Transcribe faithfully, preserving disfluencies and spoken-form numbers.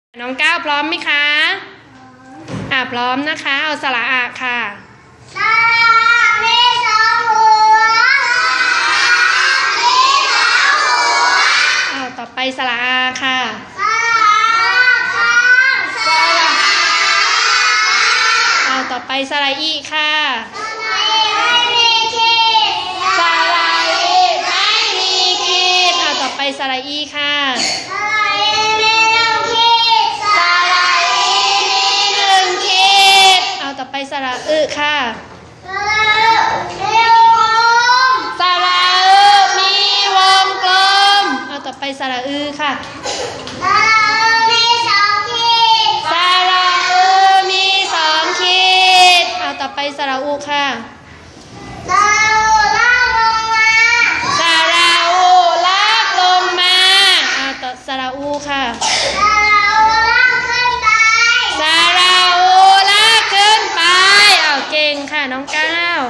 น้องก้าวพร้อมไหมคะอ่าพร้อมนะคะเอาสระอะค่ะสระมีสองหัวมีสองหัวเอาต่อไปสระอาค่ะสระข้างสระเอาต่อไปสระอีค่ะสระไม่มีขีดสระอีไม่มีขีดเอาต่อไปสระอีค่ะสระอีมีหนึ่งขีดสระอีมีหนึ่งขีดเอาต่อไปสระอึค่ะสระมีวงกลมสระอึมีวงกลมเอาต่อไปสระอือค่ะสระมีสองขีดสระอือมีสองขีดเอาต่อไปสระอุค่ะสระอูลากลงมาสระอูลากลงมาเอาต่อสระอูค่ะสระอูลากขึ้นไปสระอูลากขึ้นไปเอาเก่งค่ะน้องก้าว